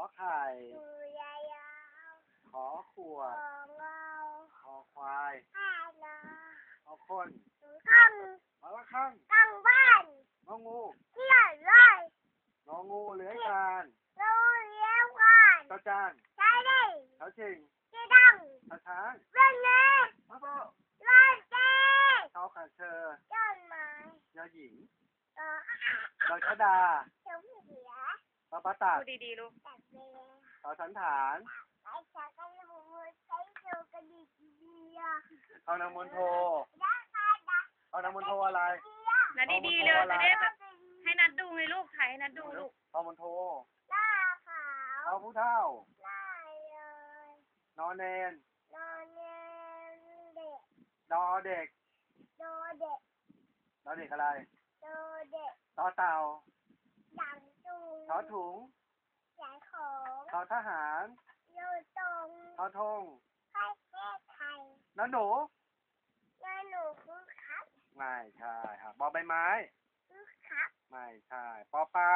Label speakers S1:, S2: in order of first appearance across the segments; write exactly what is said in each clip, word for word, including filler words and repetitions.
S1: ไข่
S2: คือยายาว
S1: ขอขวด
S2: ของเรา
S1: คอควาย
S2: ข้านา
S1: ขอคน
S2: ข้าง
S1: ขอละข้าง
S2: ข้างบ้าน
S1: งองู
S2: เที่ยวเลย
S1: งองูเลื้อยคลาน
S2: เราเลี้ยงกัน
S1: เจ้าจาน
S2: ใช่ดิ
S1: เท้าชิง
S2: ที่ดัง
S1: เท้าช้าง
S2: เรื่องนี้
S1: พระโบ
S2: เล่นเจ๊
S1: เท้าขาเชอ
S2: ต้นไม้
S1: ยอหญิง
S2: เออ
S1: ดอยชะดา
S2: เจ้าเสือ
S1: ปะปะตัก
S3: พูดดีๆลูก
S2: แต่เวลา
S1: ต่อสันฐาน
S2: ไอ้ชากันหูใช้เจ้ากระดิกดีอ่ะ
S1: เอานางมนโท
S2: ได้ค่ะได้
S1: เอานางมนโทอะไร
S3: นัดดีๆเลยจะได้แบบให้นัดดูไงลูกถ่ายให้นัดดูลูก
S1: เอามนโท
S2: หน้าขาว
S1: เอาผู้เท่า
S2: หน้าเลย
S1: นอนเนน
S2: นอนเย็นเด็ก
S1: ดอเด็ก
S2: โดเด็ก
S1: ดอเด็กอะไร
S2: โดเด็ก
S1: ต่อเต่า
S2: ดังจุง
S1: ทอถุง
S2: ใส่ของ
S1: ทอทหาร
S2: อยู่ตรง
S1: ทอทง
S2: ให้เทศไทย
S1: นอนหนู
S2: งานหนูคือครับ
S1: ไม่ใช่ครับบอใบไม้
S2: คือครับ
S1: ไม่ใช่ปอปลา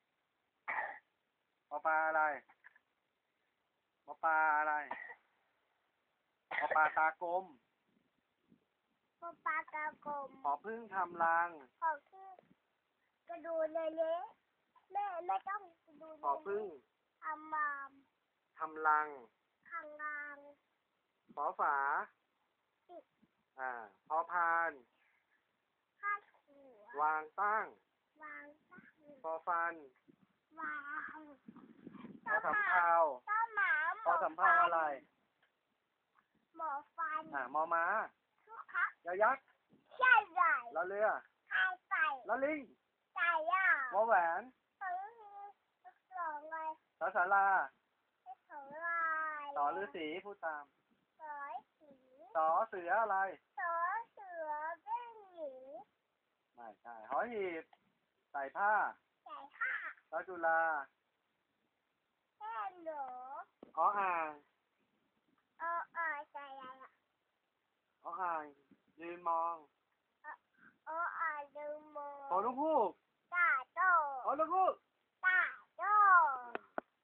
S1: ปอปลาอะไรปอปลาอะไรปอปลาตากลม
S2: ปปากากลม
S1: ขอพึ่งทำรัง
S2: ขอคือกระดูเละๆแม่ไม่ต้องกระดู
S1: ขอพึ่ง
S2: ทำมาม
S1: ทำรัง
S2: ข้างล่าง
S1: ขอฝาอ่าพอพาน
S2: ข้าหัว
S1: วางตั้ง
S2: วางตั้ง
S1: พอฟัน
S2: วาง
S1: พอสำเภา
S2: ต้นหมาหม
S1: พอสำเภาอะไร
S2: หมอฟัน
S1: อ่ามอม้า
S2: ทุกครับ
S1: ยอยักษ์
S2: ใช่ใหญ่
S1: ลอเรือ
S2: ใครใส่
S1: ลอลิง
S2: ใส่ย่าว
S1: อแหวน
S2: สองสองเลย
S1: สอสารา
S2: ให้สองลาย
S1: สอฤาษีพูดตาม
S2: สอยสี
S1: สอเสืออะไร
S2: สอเสือเป็นหญิง
S1: ไม่ใช่หอหีบใส่ผ้า
S2: ใส่ผ้า
S1: สอจุฬา
S2: แค่หนู
S1: ออ่าง
S2: เออเออใส่อะไรอ่ะ
S1: ออ่างยืนมอง
S2: เออเออดูโม
S1: ขอลูกฮูก
S2: ตาโต
S1: ขอลูกฮูก